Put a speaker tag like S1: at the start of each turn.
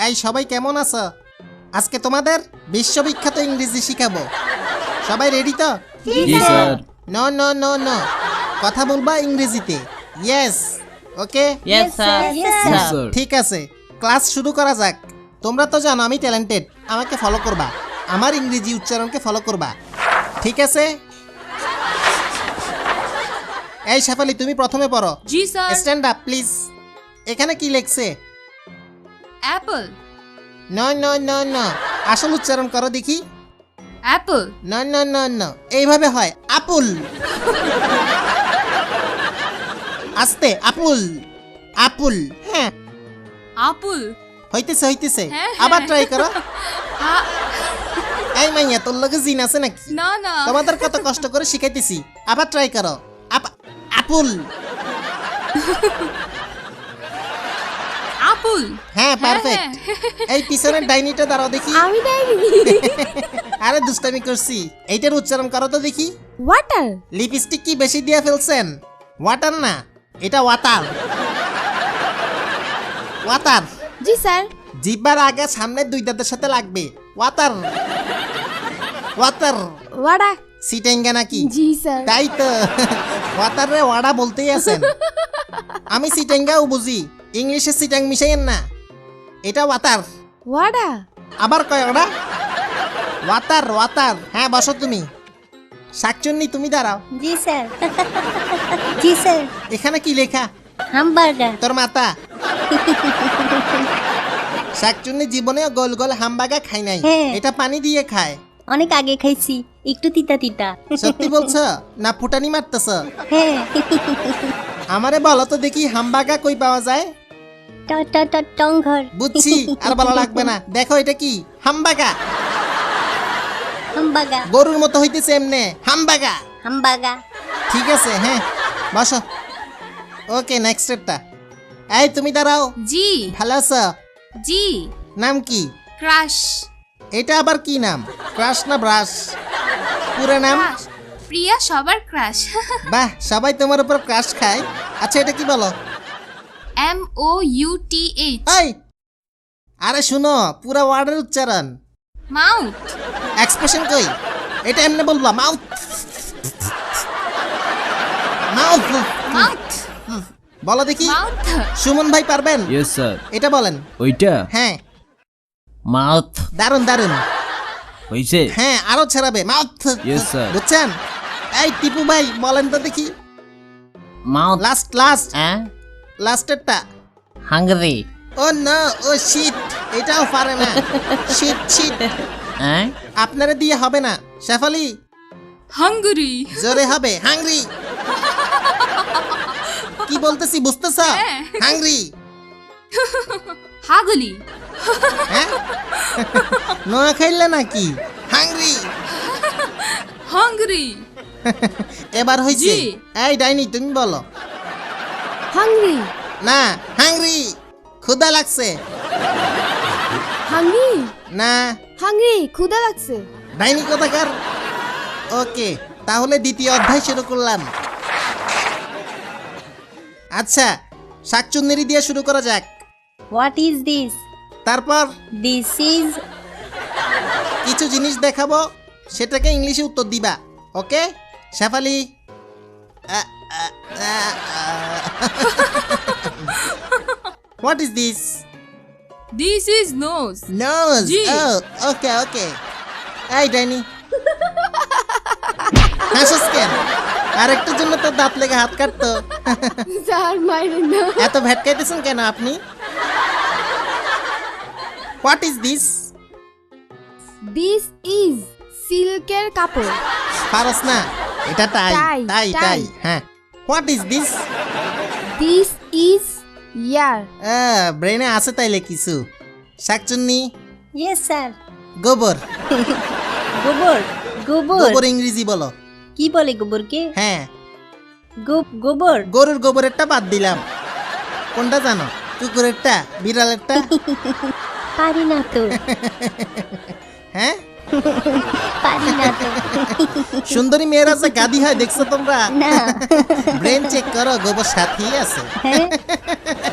S1: এই সবাই কেমন আছো? আজকে তোমাদের বিশ্ববিখ্যাত ইংরেজি শিখাবো। সবাই রেডি তো?
S2: জি sir.
S1: No no no no, কথা বলবা ইংরেজিতে। Yes, okay,
S2: yes sir. Sir.
S1: ঠিক আছে, ক্লাস শুরু করা যাক। তোমরা তো জানো আমি ট্যালেন্টেড, আমাকে ফলো করবা, আমার ইংরেজি উচ্চারণকে ফলো করবা, ঠিক আছে? এই শেফালি, তুমি প্রথমে পড়ো।
S3: জি স্যার।
S1: Stand up please. এখানে কি লেখছে?
S3: Apple.
S1: No no no no, আসল উচ্চারণ করো দেখি।
S3: Apple.
S1: No no no no, এইভাবে হয় আপুল। আস্তে, আপুল আপুল। হ্যাঁ,
S3: আপুল।
S1: হইতেছে হইতেছে,
S3: হ্যাঁ,
S1: আবার
S3: হ্যাঁ।
S1: ট্রাই করো।
S3: আ-
S1: এই মাইয়া, তোর লগে জিন আছে নাকি?
S3: না না।
S1: তোমাদের কত কষ্ট করে শিখাইতেছি, আবার ট্রাই করো। আপুল।
S3: আপুল।
S1: হ্যাঁ, পারফেক্ট। এই পিছনের ডাইনিটা দাঁড়াও দেখি।
S4: আমি ডাইনি।
S1: আরে দুষ্টামি করছি, এইটার উচ্চারণ করো তো দেখি।
S4: ওয়াটার।
S1: লিপস্টিক কি বেশি দিয়ে ফেলছেন? ওয়াটার না, এটা ওয়াটার। ওয়াটার।
S4: জি স্যার।
S1: জিহ্বার আগে সামনে দুই দাঁতের সাথে লাগবে। Water water.
S4: ওয়াডা।
S1: সিটেঙ্গা নাকি?
S4: জি স্যার।
S1: তাই তো, ওয়াটার রে ওয়াডা বলতেই আছেন। আমি সিটেঙ্গাও বুঝি, ইংলিশে সিটাং মিশাইয়েন না। এটা ওয়াটার।
S4: ওয়াডা।
S1: আবার কয় ওটা? Water water. হ্যাঁ, বসো তুমি। শাকচুন্নি, তুমি দাঁড়াও।
S5: জি স্যার। জি স্যার।
S1: এখানে কি লেখা?
S5: হামবার্গার।
S1: তোর মাতা। শাকচুন্নি জীবনেও গোল গোল হামবাগা খাই নাই,
S5: হ্যাঁ।
S1: এটা পানি দিয়ে খায়।
S5: অনেক আগে খাইছি, একটু তিতা তিতা।
S1: সত্যি বলছো না ফুটানি মারতেছ?
S5: হ্যাঁ।
S1: আমারে বলো তো দেখি, হামবাগা কই পাওয়া যায়?
S5: টংঘর।
S1: বুঝছি, আর বলা লাগবে না। দেখো এটা কি? হামবাগা।
S5: হামবাগা।
S1: গরুর মতো হইতেছে এমনে, হামবাগা।
S5: হামবাগা।
S1: ঠিক আছে, হ্যাঁ, বসো। ওকে, নেক্সট স্টেপটা। এই তুমি দাঁড়াও।
S3: জি।
S1: ভালো আছো?
S3: জি।
S1: নাম কি?
S3: ক্রাশ।
S1: এটা আবার কি নাম? ক্রাশ না ব্রাশ? পুরো নাম?
S3: ক্রাশ। প্রিয়া সবার ক্রাশ।
S1: বাহ, সবাই তোমার উপর ক্রাশ খায়। আচ্ছা, এটা কি বলো?
S3: MOUTH।
S1: এই, আরে শুনো, পুরো ওয়ার্ডের উচ্চারণ।
S3: মাউথ।
S1: এক্সপ্রেশন কই? এটা এমনি বলবা, মাউথ মাউথ।
S3: মাউথ।
S1: বলো দেখি।
S3: মাউথ।
S1: সুমন ভাই পারবেন?
S2: Yes sir.
S1: এটা বলেন।
S2: ওইটা
S1: হ্যাঁ,
S2: মাউথ
S1: দারুন দারুন।
S2: হইছে।
S1: হ্যাঁ, আরো ছড়াবে, মাউথ।
S2: Yes, sir.
S1: বুঝছেন? এই টিপু ভাই বলেন তো দেখি।
S2: মাউথ।
S1: লাস্ট লাস্ট
S2: হ্যাঁ,
S1: লাস্টেরটা।
S2: Hungry.
S1: Oh no, oh shit, এটাও পারে না। শিট শিট,
S2: হ্যাঁ,
S1: আপনারা দিয়ে হবে না। শেফালি,
S3: হাঙ্গরি।
S1: জোরে হবে, হাংরি। কি বলতেছি বুঝতেছ?
S3: হ্যাঁ।
S1: হাংরি।
S3: হাগলি।
S1: হ্যাঁ, নোয়া খাইলে নাকি? হাংরি।
S3: হাঙ্গরি।
S1: এবার হইছে।
S3: জি।
S1: এই ডাইনি, তুমি বলো।
S4: হাংরি।
S1: না, হাংরি। ক্ষুধা লাগছে।
S4: হাংরি।
S1: না,
S4: হাংরি, ক্ষুধা লাগছে।
S1: ডাইনি কোথাকার। ওকে, তাহলে দ্বিতীয় অধ্যায় শুরু করলাম। আচ্ছা, শাকচুন্নেরি দিয়ে শুরু করা যাক।
S5: What is this?
S1: তারপর
S5: দিস ইজ।
S1: কিছু জিনিস দেখাবো, সেটাকে ইংলিশে উত্তর দিবা। Okay Shefali? What is this?
S3: This is nose.
S1: Nose.
S3: জি।
S1: Okay okay. এই ডাইনি, হাসিস কেন? আরেকটার জন্য তো দাঁত লেগে হাত কাটতো।
S4: স্যার মাইরেন না।
S1: এত ভেটকাইতেছেন কেন আপনি? What is this?
S4: This is সিল্কের কাপড়।
S1: পারস না? এটা তাই
S4: টাই,
S1: তাই
S4: টাই।
S1: তাই। হ্যাঁ, what is this?
S4: This is ear.
S1: ব্রেনে আছে তাইলে কিছু। শাকচুন্নি,
S5: ইয়েস স্যার।
S1: গোবর।
S5: গোবর। গোবর।
S1: গোবর ইংরেজি বলো।
S5: কি বলে গোবরকে?
S1: হ্যাঁ,
S5: গোবর।
S1: গরুর গোবরেরটা বাদ দিলাম। কোনটা জানো? কুকুরেরটা, বিড়ালেরটা?
S5: পারি না তো।
S1: হ্যাঁ,
S5: পারি না তো।
S1: সুন্দরী মেয়েরা যে গাদি হয় দেখছো তোমরা?
S5: না।
S1: ব্রেন চেক করো, গোবর সাথেই আছে।
S5: হ্যাঁ।